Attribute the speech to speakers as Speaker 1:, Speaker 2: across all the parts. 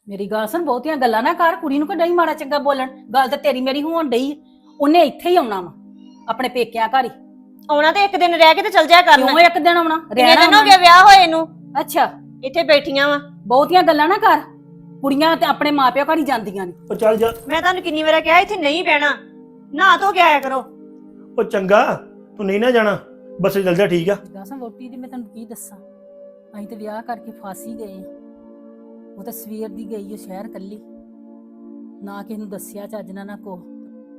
Speaker 1: ਮੇਰੀ ਗੱਲ ਸੁਣ, ਬਹੁਤੀਆਂ ਗੱਲਾਂ ਨਾ ਕਰ। ਕੁੜੀ ਨੂੰ ਕਿ ਨਹੀਂ ਮਾੜਾ ਚੰਗਾ ਬੋਲਣ। ਗੱਲ ਤਾਂ ਤੇਰੀ ਮੇਰੀ ਹੋਣ ਡਈ। ਉਹਨੇ ਇੱਥੇ ਹੀ ਆਉਣਾ ਵਾ, ਆਪਣੇ ਪੇਕਿਆਂ ਘਰ ਹੀ
Speaker 2: ਆਉਣਾ ਤੇ ਇੱਕ ਦਿਨ ਰਹਿ ਕੇ ਤੇ ਚਲ ਜਾਇਆ ਕਰਨਾ।
Speaker 1: ਕਿਉਂ ਇੱਕ ਦਿਨ ਆਉਣਾ?
Speaker 2: ਕਿੰਨੇ ਦਿਨ ਹੋ ਗਏ ਵਿਆਹ ਹੋਏ ਨੂੰ?
Speaker 1: ਅੱਛਾ,
Speaker 2: ਇੱਥੇ ਬੈਠੀਆਂ ਵਾ।
Speaker 1: ਬਹੁਤੀਆਂ ਗੱਲਾਂ ਨਾ ਕਰ। ਕੁੜੀਆਂ ਤੇ ਆਪਣੇ ਮਾਪਿਓ ਘਰ ਹੀ ਜਾਂਦੀਆਂ ਨੇ।
Speaker 3: ਉਹ ਚੱਲ ਜਾ।
Speaker 2: ਮੈਂ ਤੁਹਾਨੂੰ ਕਿੰਨੀ ਵਾਰ ਕਿਹਾ ਇੱਥੇ ਨਹੀਂ ਬਹਿਣਾ, ਨਹਾ ਧੋ ਕੇ ਆਇਆ ਕਰੋ।
Speaker 3: ਉਹ ਚੰਗਾ, ਤੂੰ ਨਹੀਂ ਨਾ ਜਾਣਾ, ਬੱਸੇ ਚੱਲ ਜਾ। ਠੀਕ ਆ।
Speaker 1: ਦੱਸਾਂ ਵੋਟੀ ਦੀ ਮੈਂ ਤੈਨੂੰ ਕੀ ਦੱਸਾਂ। ਅਸੀਂ ਤੇ ਵਿਆਹ ਕਰਕੇ ਫਾਸੀ ਗਏ ਆ। ਉਹ ਤਾਂ ਸਵੇਰ ਦੀ ਗਈ ਉਹ ਸ਼ਹਿਰ ਕੱਲੀ, ਨਾ ਕਿਸੇ ਨੂੰ ਦੱਸਿਆ ਚੱਜ ਨਾਲ ਨਾ ਕੋ।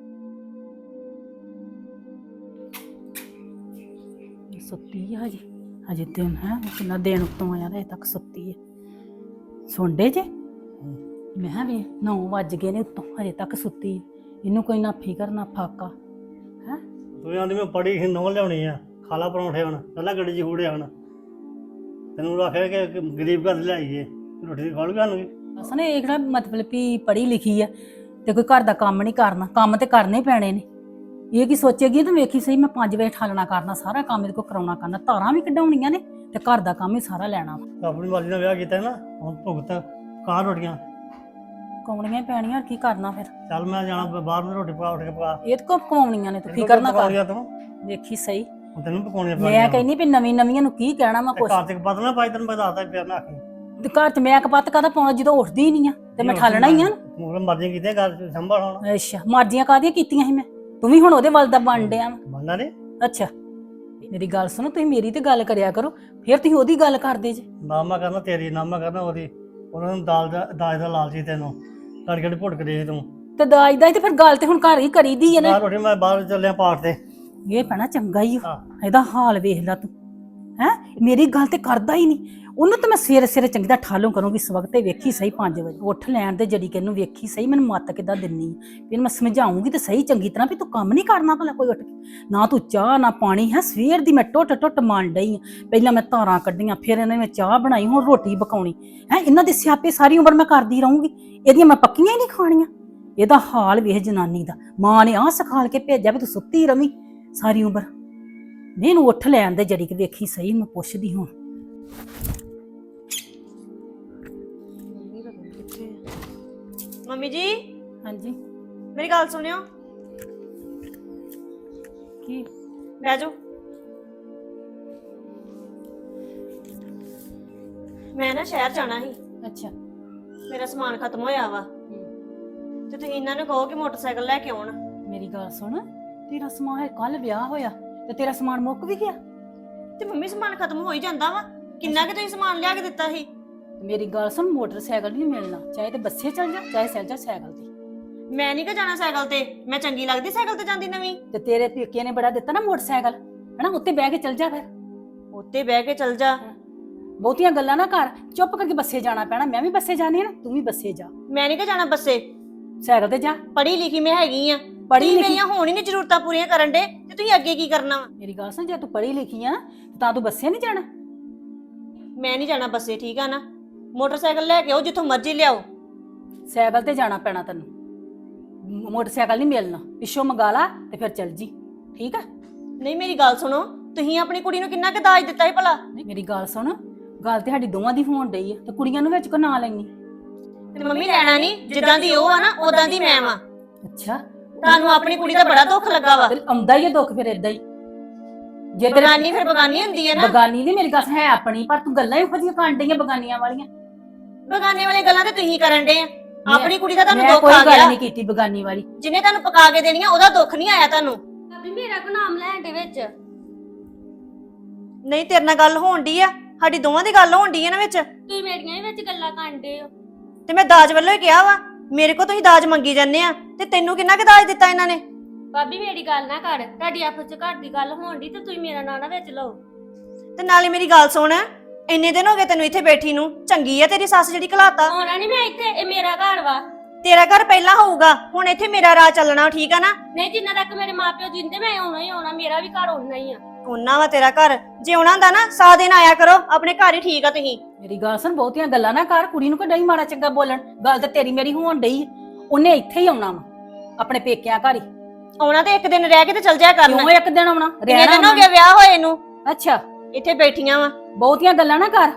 Speaker 1: ਸੁੱਤੀ ਆ ਹਜੇ ਦਿਨ ਹੈ ਕਿੰਨਾ ਦਿਨ ਉੱਤੋਂ ਆਇਆ ਹਜੇ ਤੱਕ ਸੁੱਤੀ ਹੈ। ਸੁਣਦੇ ਜੇ ਮੈਂ ਕਿਹਾ ਵੀ 9 ਵੱਜ ਗਏ ਨੇ ਉੱਤੋਂ ਹਜੇ ਤੱਕ ਸੁੱਤੀ ਹੈ। ਇਹਨੂੰ ਕੋਈ ਨਾ ਫਿਕਰ ਨਾ ਫਾਕਾ ਹੈ।
Speaker 4: ਤੂੰ ਆਂਦੀ ਮੈਂ ਪੜੀ ਸੀ ਨੌ ਲਿਆਉਣੀ ਆ, ਖਾਲਾ ਪਰੌਂਠੇ ਹੁਣ ਪਹਿਲਾਂ ਗੱਡੀ 'ਚ ਹੂੜੇ ਹੁਣ ਤੈਨੂੰ ਆਖਿਆ ਕਿ ਗਰੀਬ ਘਰ ਲਿਆਈਏ ਰੋਟੀ ਖਾ ਲੂਗਾ ਨੂੰ।
Speaker 1: ਅਸਾਂ ਨੇ ਇਹ ਕਿਹੜਾ ਮਤਲਬ ਵੀ ਪੜ੍ਹੀ ਲਿਖੀ ਆ ਤੇ ਕੋਈ ਘਰ ਦਾ ਕੰਮ ਨਹੀਂ ਕਰਨਾ। ਕੰਮ ਤੇ ਕਰਨੇ ਪੈਣੇ ਨੇ। ਇਹ ਕੀ ਸੋਚੇਗੀ ਤੂੰ? ਵੇਖੀ ਸਹੀ, ਮੈਂ 5 ਵਜੇ ਠਾਲਣਾ ਕਰਨਾ, ਸਾਰਾ ਕੰਮ ਇਹਦੇ ਕੋਲ ਕਰਾਉਣਾ ਕਰਨਾ, ਧਾਰਾਂ ਵੀ ਕਢਾਉਣੀਆਂ ਨੇ ਤੇ ਘਰ ਦਾ ਕੰਮ ਹੀ ਸਾਰਾ ਲੈਣਾ ਵਾ।
Speaker 4: ਆਪਣੀ ਮਰਜ਼ੀ ਨਾਲ ਵਿਆਹ ਕੀਤਾ ਨਾ, ਹੁਣ ਭੁਗਤ ਕਾਂ ਰੋਟੀਆਂ
Speaker 1: ਕਮਾਉਣੀਆਂ ਹੀ ਪੈਣੀਆਂ, ਕੀ ਕਰਨਾ ਫਿਰ?
Speaker 4: ਚੱਲ ਮੈਂ ਜਾਣਾ ਬਾਹਰ ਨੂੰ ਰੋਟੀ ਪਕਾ ਉੱਠ ਕੇ ਪਕਾ।
Speaker 1: ਇਹ ਕੋ ਕਮਾਉਣੀਆਂ ਨੇ, ਤੂੰ ਫਿਕਰ ਨਾ ਕਰ।
Speaker 4: ਤੂੰ
Speaker 1: ਵੇਖੀ ਸਹੀ,
Speaker 4: ਤੈਨੂੰ ਪਕਾਉਣੀਆਂ
Speaker 1: ਮੈਂ ਕਹਿੰਦੀ ਵੀ ਨਵੀਆਂ ਨੂੰ ਕੀ ਕਹਿਣਾ ਵਾ ਕੁਛ।
Speaker 4: ਘਰ ਤੇ ਪਤਾ ਨਾ ਪਾਈ ਤੈਨੂੰ ਮੈਂ ਦੱਸਦਾ ਪਿਆ ਨਾ ਆਖੀ
Speaker 1: ਤੇ ਘਰ ਚ ਮੈਂ ਕਪੱਤ ਕਾਹਦਾ ਪਾਉਣਾ ਜਦੋਂ ਉੱਠਦੀ ਹੀ ਨਹੀਂ ਆ ਤੇ ਮੈਂ ਠਾਲਣਾ ਹੀ ਆ।
Speaker 4: ਮੂਰੇ ਮਰਜ਼ੀ ਕੀਤੇ ਘਰ ਸੰਭਾਲ ਹੁਣ।
Speaker 1: ਅੱਛਾ, ਮਰਜ਼ੀਆਂ ਕਾਹਦੀਆਂ ਕੀਤੀਆਂ ਸੀ ਮੈਂ? ਤੂੰ ਵੀ ਹੁਣ ਉਹਦੇ ਵੱਲ ਦਾ ਬਣ ਡਿਆ ਵਾ।
Speaker 4: ਬੰਦਾ ਨੇ
Speaker 1: ਅੱਛਾ, ਮੇਰੀ ਗੱਲ ਸੁਣੋ, ਤੁਸੀਂ ਮੇਰੀ ਤੇ ਗੱਲ ਕਰਿਆ ਕਰੋ, ਫਿਰ ਤੁਸੀਂ ਉਹਦੀ ਗੱਲ ਕਰਦੇ ਜੇ।
Speaker 4: ਨਾਮਾ ਕਰਨਾ ਤੇਰੀ, ਨਾਮਾ ਕਰਨਾ ਉਹਦੀ। ਉਹਨਾਂ ਨੂੰ ਦਾਜ ਦਾ ਲਾਲਚੀ ਤੈਨੂੰ ਘੜ ਘੜ ਭੁੱਟ ਕੇ ਤੂੰ
Speaker 1: ਤੇ ਦਾਜ ਦਾ ਤੇ ਫਿਰ ਗੱਲ ਤੇ ਹੁਣ ਘਰ ਹੀ ਕਰੀਦੀ ਹੈ ਨਾ।
Speaker 4: ਬਾਹਰ ਰੋਟੀ ਮੈਂ ਬਾਹਰ ਚੱਲਿਆ ਪਾਠ ਤੇ।
Speaker 1: ਇਹ ਪੈਣਾ ਚੰਗਾ ਹੀ
Speaker 4: ਹਾਂ।
Speaker 1: ਇਹਦਾ ਹਾਲ ਵੇਖ ਲੈ ਤੂੰ ਹੈ। ਮੇਰੀ ਗੱਲ ਤੇ ਕਰਦਾ ਹੀ ਨਹੀਂ। ਉਹਨੂੰ ਤਾਂ ਮੈਂ ਸਵੇਰੇ ਚੰਗੀ ਦਾ ਠਾਲੋਂ ਕਰੂੰਗੀ ਇਸ ਵਕਤ ਤੇ। ਵੇਖੀ ਸਹੀ 5 ਵਜੇ ਉੱਠ ਲੈਣ ਦੇ ਜੜੀ ਕਿ ਇਹਨੂੰ ਵੇਖੀ ਸਹੀ ਮੈਨੂੰ ਮੱਤ ਕਿੱਦਾਂ ਦਿੰਨੀ। ਫਿਰ ਮੈਂ ਸਮਝਾਉਂਗੀ ਤੇ ਸਹੀ ਚੰਗੀ ਤਰ੍ਹਾਂ ਵੀ ਤੂੰ ਕੰਮ ਨਹੀਂ ਕਰਨਾ ਭਲਾ ਕੋਈ ਉੱਠ ਕੇ। ਨਾ ਤੂੰ ਚਾਹ ਨਾ ਪਾਣੀ ਹੈ। ਸਵੇਰ ਦੀ ਮੈਂ ਟੁੱਟ ਮੰਨ ਡਈ ਆ। ਪਹਿਲਾਂ ਮੈਂ ਧਾਰਾਂ ਕੱਢੀਆਂ, ਫਿਰ ਇਹਨਾਂ ਨੇ ਮੈਂ ਚਾਹ ਬਣਾਈ, ਹੁਣ ਰੋਟੀ ਪਕਾਉਣੀ ਹੈ। ਇਹਨਾਂ ਦੇ ਸਿਆਪੇ ਸਾਰੀ ਉਮਰ ਮੈਂ ਕਰਦੀ ਰਹੂੰਗੀ। ਇਹਦੀਆਂ ਮੈਂ ਪੱਕੀਆਂ ਹੀ ਨਹੀਂ ਖਾਣੀਆਂ। ਇਹਦਾ ਹਾਲ ਵੇਖ ਜਨਾਨੀ ਦਾ। ਮਾਂ ਨੇ ਆਹ ਸਿਖਾਲ ਕੇ ਭੇਜਿਆ ਵੀ ਤੂੰ ਸੁੱਤੀ ਰਵੀਂ ਸਾਰੀ ਉਮਰ। ਮੈਨੂੰ ਉੱਠ ਲੈਣ ਦੇ ਜੜੀ ਕਿ ਵੇਖੀ ਸਹੀ। ਮੈਂ ਪੁੱਛਦੀ ਹੁਣ।
Speaker 2: ਮੰਮੀ ਜੀ
Speaker 1: ਹਾਂਜੀ,
Speaker 2: ਮੇਰੀ ਗੱਲ ਸੁਣਿਓ।
Speaker 1: ਕੀ?
Speaker 2: ਬਹਿ ਜਾਓ। ਮੈਂ ਨਾ ਸ਼ਹਿਰ ਜਾਣਾ ਸੀ,
Speaker 1: ਅੱਛਾ,
Speaker 2: ਮੇਰਾ ਸਮਾਨ ਖਤਮ ਹੋਇਆ ਵਾ ਤੇ ਤੁਸੀਂ ਇਹਨਾਂ ਨੂੰ ਕਹੋ ਕਿ ਮੋਟਰਸਾਈਕਲ ਲੈ ਕੇ ਆਉਣ।
Speaker 1: ਮੇਰੀ ਗੱਲ ਸੁਣ, ਤੇਰਾ ਸਮਾਨ ਹੈ, ਕੱਲ ਵਿਆਹ ਹੋਇਆ ਤੇ ਤੇਰਾ ਸਮਾਨ ਮੁੱਕ ਵੀ ਗਿਆ।
Speaker 2: ਤੇ ਮੰਮੀ ਸਮਾਨ ਖਤਮ ਹੋ ਹੀ ਜਾਂਦਾ ਵਾ। ਕਿੰਨਾ ਕਿ ਤੁਸੀਂ ਸਮਾਨ ਲਿਆ ਕੇ ਦਿੱਤਾ ਸੀ।
Speaker 1: ਮੇਰੀ ਗੱਲ ਸੁਣ, ਮੋਟਰਸਾਈਕਲ ਨਹੀਂ ਮਿਲਣਾ, ਚਾਹੇ ਤੇ ਬੱਸੇ ਚੱਲ ਜਾ ਚਾਹੇ ਚੱਲ ਜਾ ਸਾਈਕਲ ਤੇ।
Speaker 2: ਮੈਂ ਨਹੀਂ ਕਿ ਜਾਣਾ ਸਾਈਕਲ ਤੇ, ਮੈਂ ਚੰਗੀ ਲੱਗਦੀ ਸਾਈਕਲ ਤੇ ਜਾਂਦੀ ਨਵੀਂ।
Speaker 1: ਤੇ ਤੇਰੇ ਪੇਕੇ ਨੇ ਬੜਾ ਦਿੱਤਾ ਨਾ ਮੋਟਰਸਾਈਕਲ, ਹਨਾ? ਉੱਤੇ ਬਹਿ ਕੇ ਚੱਲ ਜਾ। ਫਿਰ
Speaker 2: ਉੱਤੇ ਬਹਿ ਕੇ ਚੱਲ ਜਾ।
Speaker 1: ਬਹੁਤੀਆਂ ਗੱਲਾਂ ਨਾ ਕਰ, ਚੁੱਪ ਕਰਕੇ ਬੱਸੇ ਜਾਣਾ ਪੈਣਾ। ਮੈਂ ਵੀ ਬੱਸੇ ਜਾਣੀ ਹੈ ਨਾ, ਤੂੰ ਵੀ ਬੱਸੇ ਜਾ।
Speaker 2: ਮੈਂ ਨਹੀਂ ਕਿ ਜਾਣਾ ਬੱਸੇ,
Speaker 1: ਸਾਈਕਲ ਤੇ ਜਾ।
Speaker 2: ਪੜ੍ਹੀ ਲਿਖੀ ਮੈਂ ਹੈਗੀ ਆ।
Speaker 1: ਪੜ੍ਹੀ
Speaker 2: ਤੁਸੀਂ
Speaker 1: ਲਿਖੀ?
Speaker 2: ਮੇਰੀਆਂ ਹੁਣ ਹੀ ਨਹੀਂ ਜ਼ਰੂਰਤਾਂ ਪੂਰੀਆਂ ਕਰਨ ਦੇ ਤੇ ਤੁਸੀਂ ਅੱਗੇ ਕੀ ਕਰਨਾ ਵਾ?
Speaker 1: ਮੇਰੀ ਗੱਲ ਸੁਣ, ਜੇ ਤੂੰ ਪੜ੍ਹੀ ਲਿਖੀ ਆ ਤਾਂ ਤੂੰ ਬੱਸੇ ਨਹੀਂ ਜਾਣਾ।
Speaker 2: ਮੈਂ ਨਹੀਂ ਜਾਣਾ ਬੱਸੇ, ਠੀਕ ਆ ਨਾ? ਮੋਟਰਸਾਈਕਲ ਲੈ ਕੇ ਆਓ, ਜਿੱਥੋਂ ਮਰਜ਼ੀ ਲਿਆਓ।
Speaker 1: ਸਾਈਕਲ ਤੇ ਜਾਣਾ ਪੈਣਾ ਤੈਨੂੰ, ਮੋਟਰਸਾਈਕਲ ਨਹੀਂ ਮਿਲਣਾ। ਪਿੱਛੋਂ ਮੰਗਾ ਲਾ ਤੇ ਫਿਰ ਚੱਲ ਜੀ, ਠੀਕ ਆ?
Speaker 2: ਨਹੀਂ ਮੇਰੀ ਗੱਲ ਸੁਣੋ, ਤੁਸੀਂ ਆਪਣੀ ਕੁੜੀ ਨੂੰ ਕਿੰਨਾ ਕੁ ਦਾਜ ਦਿੱਤਾ ਸੀ ਭਲਾ?
Speaker 1: ਮੇਰੀ ਗੱਲ ਸੁਣ, ਗੱਲ ਤੇ ਸਾਡੀ ਦੋਵਾਂ ਦੀ ਹੋਣ ਡਈ ਆ ਤੇ ਕੁੜੀਆਂ ਨੂੰ ਵਿੱਚ ਕੋ ਨਾ ਲੈਣੀ।
Speaker 2: ਤੇ ਮੰਮੀ ਲੈਣਾ ਨਹੀਂ, ਜਿੱਦਾਂ ਦੀ ਉਹ ਆ ਨਾ ਉਦਾਂ ਦੀ ਮੈਂ ਵਾਂ।
Speaker 1: ਅੱਛਾ,
Speaker 2: ਤੁਹਾਨੂੰ ਆਪਣੀ ਕੁੜੀ ਦਾ ਬੜਾ ਦੁੱਖ ਲੱਗਾ ਵਾ।
Speaker 1: ਤੇ ਆਉਂਦਾ ਹੀ ਆ ਦੁੱਖ ਫਿਰ ਏਦਾਂ ਹੀ। ਜੇ ਤੇਰੇ
Speaker 2: ਬਗਾਨੀ ਫਿਰ ਬਗਾਨੀ ਹੁੰਦੀ ਹੈ ਨਾ।
Speaker 1: ਬਗਾਨੀ ਨਹੀਂ, ਮੇਰੀ ਗੱਲ ਹੈ ਆਪਣੀ, ਪਰ ਤੂੰ ਗੱਲਾਂ ਇਹੋ ਜਿਹੀਆਂ ਕਰਨ ਡਈਆਂ ਬਗਾਨੀਆਂ ਵਾਲੀਆਂ।
Speaker 2: ਬਗਾਨੇ ਵਾਲੀਆਂ ਗੱਲਾਂ ਤੇ ਤੁਸੀਂ ਕਰਨ ਦੇ ਆ। ਆਪਣੀ ਕੁੜੀ ਦਾ ਤੁਹਾਨੂੰ
Speaker 1: ਮੈਂ
Speaker 2: ਦੁੱਖ
Speaker 1: ਕੋਈ
Speaker 2: ਆ
Speaker 1: ਗੱਲ
Speaker 2: ਗਿਆ।
Speaker 1: ਨਹੀਂ ਕੀਤੀ ਬਗਾਨੀ ਵਾਲੀ।
Speaker 2: ਜਿਹਨੇ ਤੁਹਾਨੂੰ ਪਕਾ ਕੇ ਦੇਣੀਆਂ ਉਹਦਾ ਦੁੱਖ ਨਹੀਂ ਆਇਆ ਤੁਹਾਨੂੰ।
Speaker 5: ਭਾਬੀ ਮੇਰਾ ਕੋ ਨਾਮ ਲੈਣ ਦੇ ਵਿੱਚ।
Speaker 2: ਨਹੀਂ ਤੇਰੇ ਨਾਲ ਗੱਲ ਹੋਣ ਡਈ ਆ, ਸਾਡੀ ਦੋਵਾਂ ਦੀ ਗੱਲ ਹੋਣ ਡਈ ਆ ਨਾ ਵਿੱਚ।
Speaker 5: ਤੁਸੀਂ ਮੇਰੀਆਂ ਹੀ ਵਿੱਚ ਗੱਲਾਂ ਕਰਦੇ ਹੋ।
Speaker 2: ਤੇ ਮੈਂ ਦਾਜ ਵੱਲੋਂ ਹੀ ਕਿਹਾ ਵਾ। ਮੇਰੇ ਕੋ ਤੁਸੀਂ ਦਾਜ ਮੰਗੀ ਜਾਂਦੇ ਆ ਤੇ ਤੈਨੂੰ ਕਿੰਨਾ ਕੁ ਦਾਜ ਦਿੱਤਾ ਇਹਨਾਂ ਨੇ?
Speaker 5: ਭਾਬੀ ਮੇਰੀ ਗੱਲ ਨਾ ਕਰ, ਤੁਹਾਡੀ ਆਪਸ ਚ ਘਰ ਦੀ ਗੱਲ ਹੋਣ ਦੀ ਤੇ ਤੁਸੀਂ ਮੇਰਾ ਨਾਂ ਨਾ ਵਿੱਚ ਲਓ।
Speaker 2: ਤੇ ਨਾਲੇ ਮੇਰੀ ਗੱਲ ਸੁਣ, ਇੰਨੇ ਦਿਨ ਹੋ ਗਏ ਤੈਨੂੰ ਇੱਥੇ ਬੈਠੀ ਨੂੰ। ਚੰਗੀ ਆ ਤੇਰੀ ਸੱਸ ਜਿਹੜੀ ਘਲਾਤਾ।
Speaker 5: ਆਉਣਾ ਨਹੀਂ ਮੈਂ ਇੱਥੇ, ਇਹ ਮੇਰਾ ਘਰ ਵਾ।
Speaker 2: ਤੇਰਾ ਘਰ ਪਹਿਲਾਂ ਹੋਊਗਾ, ਹੁਣ ਇੱਥੇ ਮੇਰਾ ਰਾਹ ਚੱਲਣਾ, ਠੀਕ ਆ ਨਾ?
Speaker 5: ਨਹੀਂ, ਜਿੰਨਾ ਤੱਕ ਮੇਰੇ ਮਾਪਿਓ ਜਿੰਦੇ ਮੈਂ ਆਉਣਾ ਹੀ ਆਉਣਾ, ਮੇਰਾ ਵੀ ਘਰ ਆਉਣਾ ਹੀ ਆ।
Speaker 2: ਉਹਨਾਂ ਵਾ ਤੇਰਾ ਘਰ। ਜੇ ਉਹਨਾਂ ਦਾ ਨਾ 100 ਦਿਨ ਆਇਆ ਕਰੋ ਆਪਣੇ ਘਰ ਹੀ, ਠੀਕ ਆ ਤੁਸੀਂ?
Speaker 1: ਮੇਰੀ ਗੱਲ ਸੁਣ, ਬਹੁਤੀਆਂ ਗੱਲਾਂ ਨਾ ਕਰ। ਕੁੜੀ ਨੂੰ ਕਿ ਨਹੀਂ ਮਾੜਾ ਚੰਗਾ ਬੋਲਣ। ਗੱਲ ਤੇ ਤੇਰੀ ਮੇਰੀ ਹੋਣ ਡਈ। ਉਹਨੇ ਇੱਥੇ ਹੀ ਆਉਣਾ ਵਾ, ਆਪਣੇ ਪੇਕਿਆਂ ਘਰ ਹੀ।
Speaker 2: ਆਉਣਾ ਤੇ ਇੱਕ ਦਿਨ ਰਹਿ ਕੇ ਤੇ ਚਲ ਜਾਇਆ ਕਰਨਾ।
Speaker 1: ਕਿਉਂ ਇੱਕ ਦਿਨ ਆਉਣਾ?
Speaker 2: ਕਿੰਨੇ ਦਿਨ ਹੋ ਗਏ ਵਿਆਹ ਹੋਏ ਨੂੰ?
Speaker 1: ਅੱਛਾ,
Speaker 2: ਇੱਥੇ ਬੈਠੀਆਂ ਵਾ।
Speaker 1: ਬਹੁਤੀਆਂ ਗੱਲਾਂ ਨਾ ਕਰ।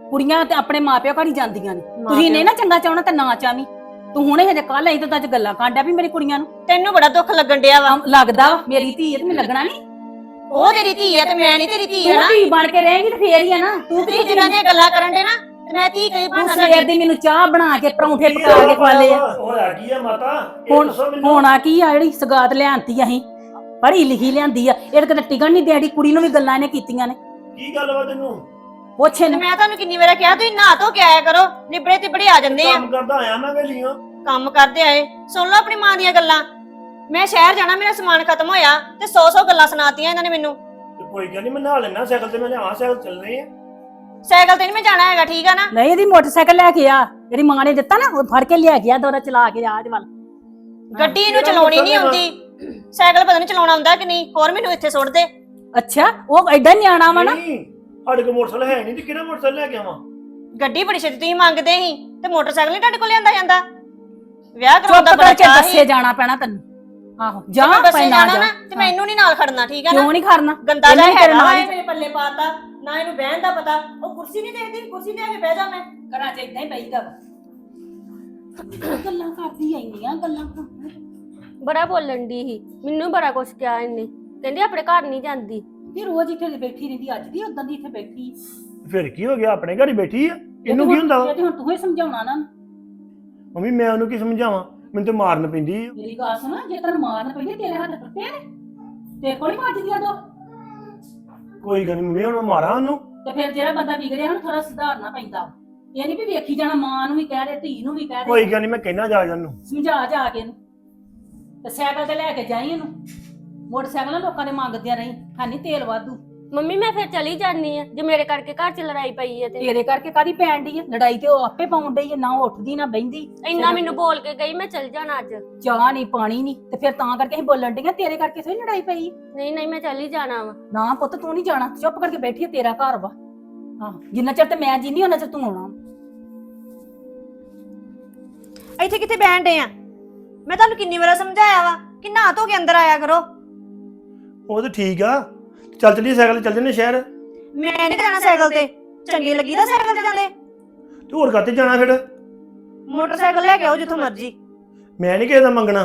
Speaker 1: ਕੁੜੀਆਂ ਤੇ ਆਪਣੇ ਮਾਪਿਓ ਘਰ ਹੀ ਜਾਂਦੀਆਂ ਨੇ
Speaker 2: ਮਾਂ
Speaker 1: ਤੁਸੀਂ
Speaker 2: ਪਿਓ-
Speaker 1: ਨਹੀਂ ਨਾ ਚੰਗਾ ਚਾਹਣਾ ਤੇ ਨਾ ਚਾਵੀਂ। ਤੂੰ ਹੁਣੇ ਹਜੇ ਕੱਲ ਆਈ ਤਾਂ ਅੱਜ ਗੱਲਾਂ ਕਾਂਡਿਆ ਵੀ ਮੇਰੀ ਕੁੜੀਆਂ ਨੂੰ
Speaker 2: ਤੈਨੂੰ ਬੜਾ ਦੁੱਖ ਲੱਗਣ ਡਿਆ ਵਾ।
Speaker 1: ਲੱਗਦਾ ਵਾ, ਮੇਰੀ ਧੀ ਹੈ ਤੇ ਮੈਨੂੰ ਲੱਗਣਾ ਨਹੀਂ।
Speaker 2: ਉਹ ਤੇਰੀ ਧੀ ਹੈ ਤੇ ਮੈਂ ਨਹੀਂ ਤੇਰੀ ਧੀ ਹੈ
Speaker 1: ਤੂੰ
Speaker 2: ਨਾ।
Speaker 1: ਧੀ ਬਣ ਕੇ ਰਹੇਂਗੀ ਤੇ ਫੇਰ ਹੀ ਆ ਨਾ। ਤੂੰ
Speaker 2: ਤੁਸੀਂ ਜਿਨ੍ਹਾਂ ਦੀਆਂ ਗੱਲਾਂ ਕਰਨ ਦੇ ਨਾ ਤੇ ਮੈਂ ਧੀ ਕਹੀ
Speaker 1: ਤੂੰ
Speaker 2: ਬਣਾ
Speaker 1: ਸਵੇਰ ਦੀ ਮੈਨੂੰ ਚਾਹ ਬਣਾ ਕੇ ਪਰੌਂਠੇ ਪਕਾ ਕੇ ਖਵਾਲੇ ਆ।
Speaker 3: ਹੋਇਆ ਕੀ ਆ ਮਾਤਾ ਇਹ
Speaker 1: ਹੁਣ
Speaker 3: ਦੱਸੋ ਮੈਨੂੰ।
Speaker 1: ਹੋਣਾ ਕੀ ਆ ਜਿਹੜੀ ਸਗਾਤ ਲਿਆਂਤੀ ਅਸੀਂ ਪੜ੍ਹੀ ਲਿਖੀ ਲਿਆਂਦੀ ਆ ਇਹ ਤਾਂ ਕਦੇ ਟਿਕਣ ਨਹੀਂ ਦੇੜੀ। ਕੁੜੀ ਨੂੰ ਵੀ ਗੱਲਾਂ ਇਹਨੇ ਕੀਤੀਆਂ ਨੇ।
Speaker 3: ਕੀ ਗੱਲ ਵਾ ਤੈਨੂੰ?
Speaker 1: ਪੁੱਛ
Speaker 2: ਤੇ
Speaker 1: ਇਹਨੂੰ।
Speaker 2: ਮੈਂ ਤੁਹਾਨੂੰ ਕਿੰਨੀ ਵਾਰ ਕਿਹਾ ਤੁਸੀਂ ਨਹਾ ਧੋ ਕੇ ਆਇਆ ਕਰੋ, ਨਿਬੜੇ ਤਿਬੜੇ ਆ ਜਾਂਦੇ ਆ।
Speaker 3: ਕੰਮ ਕਰਦਾ ਆਇਆ ਮੈਂ ਵੇਲੀਆਂ।
Speaker 2: ਕੰਮ ਕਰਦੇ ਆਏ ਸੁਣ ਲਓ ਆਪਣੀ ਮਾਂ ਦੀਆਂ ਗੱਲਾਂ। ਮੈਂ ਸ਼ਹਿਰ ਜਾਣਾ, ਮੇਰਾ ਸਮਾਨ ਖਤਮ ਹੋਇਆ ਤੇ 100 ਗੱਲਾਂ ਸੁਣਾਤੀਆਂ ਇਹਨਾਂ ਨੇ ਮੈਨੂੰ।
Speaker 3: ਤੇ ਕੋਈ ਗੱਲ ਨਹੀਂ ਮੈਂ ਨਹਾ ਲੈਣਾ ਸਾਈਕਲ ਤੇ। ਮੈਂ ਲਿਆਵਾਂ ਸਾਈਕਲ ਚੱਲਣੇ ਆ।
Speaker 2: ਸਾਈਕਲ ਤੇ ਨਹੀਂ ਮੈਂ ਜਾਣਾ ਹੈਗਾ, ਠੀਕ ਆ ਨਾ।
Speaker 1: ਨਹੀਂ ਇਹਦੀ ਮੋਟਰਸਾਈਕਲ ਲੈ ਕੇ ਆ ਜਿਹੜੀ ਮਾਂ ਨੇ ਦਿੱਤਾ ਨਾ ਉਹ ਫੜ ਕੇ ਲਿਆ ਗਿਆ ਦੋਰਾ ਚਲਾ ਕੇ ਰਾਜ ਵੱਲ।
Speaker 2: ਗੱਡੀ ਇਹਨੂੰ ਚਲਾਉਣੀ ਨਹੀਂ ਆਉਂਦੀ, ਸਾਈਕਲ ਪਤਾ ਨਹੀਂ ਚਲਾਉਣਾ ਆਉਂਦਾ ਕਿ ਨਹੀਂ। ਹੋਰ ਮੈਨੂੰ ਇੱਥੇ ਸੁੱਟ ਦੇ।
Speaker 1: ਅੱਛਾ ਉਹ ਐਡਾ ਨਿਆਣਾ ਵਾ ਨਾ।
Speaker 3: ਨਹੀਂ ਸਾਡੇ ਕੋਲ ਮੋਟਰਸਾਈਕਲ ਹੈ ਨਹੀਂ ਤੇ ਕਿਹੜਾ ਮੋਟਰਸਾਈਕਲ ਲੈ ਕੇ ਆਵਾਂ?
Speaker 2: ਗੱਡੀ ਬੜੀ ਛੇਤੀ ਤੁਸੀਂ ਮੰਗਦੇ ਸੀ ਤੇ ਮੋਟਰਸਾਈਕਲ ਨਹੀਂ ਤੁਹਾਡੇ ਕੋਲ ਲਿਆਂਦਾ ਜਾਂਦਾ। ਵਿਆਹ ਕਰਾਉਣ
Speaker 1: ਚੁੱਪ
Speaker 2: ਦਾ ਬੜਾ
Speaker 1: ਕਰਕੇ
Speaker 2: ਚਾਅ
Speaker 1: ਬੱਸੇ
Speaker 2: ਸੀ।
Speaker 1: ਜਾਣਾ ਪੈਣਾ ਤੈਨੂੰ। ਆਹੋ ਜਾ
Speaker 2: ਮੈਂ ਬੱਸੇ
Speaker 1: ਪੈਣਾ
Speaker 2: ਜਾਣਾ
Speaker 1: ਜਾ।
Speaker 2: ਨਾ ਤੇ ਮੈਨੂੰ ਨਹੀਂ ਨਾਲ ਖੜਨਾ, ਠੀਕ ਆ ਨਾ।
Speaker 1: ਕਿਉਂ ਨਹੀਂ ਖੜਨਾ?
Speaker 2: ਗੰਦਾ
Speaker 1: ਇਹਨੇ
Speaker 2: ਜਿਹਾ
Speaker 1: ਵੀ ਤੇਰੇ
Speaker 2: ਹੈਗਾ
Speaker 1: ਨਾਲ
Speaker 2: ਵਾ,
Speaker 1: ਹੀ-
Speaker 2: ਮੇਰੇ ਪੱਲੇ ਪਾਤਾ ਨਾ। ਇਹਨੂੰ ਬਹਿਣ ਦਾ ਪਤਾ। ਉਹ ਕੁਰਸੀ ਨਹੀਂ ਦੇਖਦੀ, ਕੁਰਸੀ ਤੇ ਆ ਕੇ ਬਹਿ ਜਾ। ਮੈਂ
Speaker 1: ਘਰਾਂ 'ਚ ਇਦਾਂ ਹੀ ਪਈਦਾ ਗੱਲਾਂ ਕਰਦੀ ਆਈਆਂ ਗੱਲਾਂ।
Speaker 5: ਬੜਾ ਬੋਲਣ ਦੀ ਸੀ, ਮੈਨੂੰ ਬੜਾ ਕੁਛ ਕਿਹਾ ਇਹਨੇ। ਕਹਿੰਦੀ ਆਪਣੇ ਘਰ ਨਹੀਂ ਜਾਂਦੀ।
Speaker 1: ਇਹ ਰੋਜ਼ ਇੱਥੇ ਬੈਠੀ ਰਹਿੰਦੀ, ਅੱਜ ਦੀ ਉਦਾਂ ਦੀ ਇੱਥੇ ਬੈਠੀ।
Speaker 3: ਫਿਰ ਕੀ ਹੋ ਗਿਆ? ਆਪਣੇ ਘਰ ਹੀ ਬੈਠੀ ਆ। ਇਹਨੂੰ ਕੀ ਹੁੰਦਾ ਵਾ?
Speaker 1: ਇਹ ਤੇ ਹੁਣ ਤੂੰ ਹੀ ਸਮਝਾਉਣਾ ਨਾ।
Speaker 3: ਮੰਮੀ ਮੈਂ ਉਹਨੂੰ ਕੀ ਸਮਝਾਵਾਂ? ਮੈਨੂੰ ਤੇ ਮਾਰਨ ਪੈਂਦੀ ਆ।
Speaker 1: ਮੇਰੀ ਗੱਲ ਸੁਣ, ਜੇ ਤੈਨੂੰ ਮਾਰਨ ਪਈ ਤੇਰੇ ਹੱਥ ਟੁੱਟੇ ਨੇ ਤੇਰੇ ਕੋਲ ਹੀ ਵੱਜਦੀਆਂ ਦੋ।
Speaker 3: ਕੋਈ ਗੱਲ ਨਹੀਂ ਮੰਮੀ, ਹੁਣ ਮੈਂ ਮਾਰਾਂ ਉਹਨੂੰ।
Speaker 1: ਤੇ ਫਿਰ ਜਿਹੜਾ ਬੰਦਾ ਵਿਗੜਿਆ ਉਹਨੂੰ ਥੋੜਾ ਸੁਧਾਰਨਾ ਪੈਂਦਾ। ਇਹ ਨਹੀਂ ਵੀ ਵੇਖੀ ਜਾਣਾ, ਮਾਂ ਨੂੰ ਵੀ ਕਹਿ ਦੇ ਧੀ ਨੂੰ ਵੀ ਕਹਿ
Speaker 3: ਕੋਈ
Speaker 1: ਦੇ।
Speaker 3: ਗੱਲ ਨਹੀਂ ਮੈਂ ਕਹਿਣਾ ਜਾ ਉਹਨੂੰ।
Speaker 1: ਸਮਝਾ ਜਾ ਕੇ ਇਹਨੂੰ ਤੇ ਸਾਈਕਲ ਤੇ ਲੈ ਕੇ ਜਾਈ ਇਹਨੂੰ। ਮੋਟਰਸਾਈਕਲ ਲੋਕਾਂ ਦੇ ਮੰਗਦਿਆਂ ਰਹੀ ਹੈ ਨਹੀਂ ਤੇਲ ਵਾਧੂ।
Speaker 5: ਮੰਮੀ ਮੈਂ ਫਿਰ ਚਲੀ ਜਾਨੀ ਆ ਜੇ ਮੇਰੇ ਕਰਕੇ ਘਰ 'ਚ ਲੜਾਈ ਪਈ ਹੈ ਤੇ।
Speaker 1: ਤੇਰੇ ਕਰਕੇ ਕਾਦੀ ਪੈਣ ਡਈ ਹੈ ਲੜਾਈ? ਤੇ ਉਹ ਆਪੇ ਪਾਉਣ ਡਈ ਹੈ, ਨਾ ਉਹ ਉੱਠਦੀ ਨਾ ਬਹਿੰਦੀ।
Speaker 5: ਇੰਨਾ ਮੈਨੂੰ ਬੋਲ ਕੇ ਗਈ ਮੈਂ ਚਲ ਜਾਣਾ ਅੱਜ।
Speaker 1: ਚਾਹ ਨਹੀਂ ਪਾਣੀ ਨਹੀਂ ਤੇ ਫਿਰ ਤਾਂ ਕਰਕੇ ਅਸੀਂ ਬੋਲਣ ਡਈਆਂ। ਤੇਰੇ ਕਰਕੇ ਥੋੜੀ ਲੜਾਈ ਪਈ।
Speaker 5: ਨਹੀਂ ਨਹੀਂ ਮੈਂ ਚਲੀ ਜਾਣਾ ਵਾ।
Speaker 1: ਨਾ ਪੁੱਤ ਤੂੰ ਨਹੀਂ ਜਾਣਾ, ਚੁੱਪ ਕਰਕੇ ਬੈਠੀ ਹੈ, ਤੇਰਾ ਘਰ ਵਾ। ਹਾਂ ਜਿੰਨਾ ਚਿਰ ਤੇ ਮੈਂ ਜੀਨੀ ਉਹਨਾਂ ਚਿਰ ਤੂੰ ਆਉਣਾ।
Speaker 2: ਇੱਥੇ ਕਿੱਥੇ ਬਹਿਣ ਡੇ ਆ? ਮੈਂ ਤੁਹਾਨੂੰ ਕਿੰਨੀ ਵਾਰ ਸਮਝਾਇਆ ਵਾ ਕਿ ਨਹਾ ਧੋ ਕੇ ਅੰਦਰ ਆਇਆ ਕਰੋ।
Speaker 3: ਉਹ ਤਾਂ ਠੀਕ ਆ। ਚੱਲ ਚੱਲੀਏ ਸਾਈਕਲ ਤੇ ਚੱਲ ਜੰਨੇ ਸ਼ਹਿਰ।
Speaker 2: ਮੈਂ ਨਹੀਂ ਜਾਣਾ ਸਾਈਕਲ ਤੇ। ਚੰਗੀ ਲੱਗੀ ਤਾਂ ਸਾਈਕਲ ਤੇ ਜਾਂਦੇ।
Speaker 3: ਤੂੰ ਹੋਰ ਕਾਤੇ ਜਾਣਾ ਫਿਰ?
Speaker 2: ਮੋਟਰਸਾਈਕਲ ਲੈ ਕੇ ਆਓ ਜਿੱਥੋਂ ਮਰਜ਼ੀ।
Speaker 3: ਮੈਂ ਨਹੀਂ ਕਿਸੇ ਦਾ ਮੰਗਣਾ।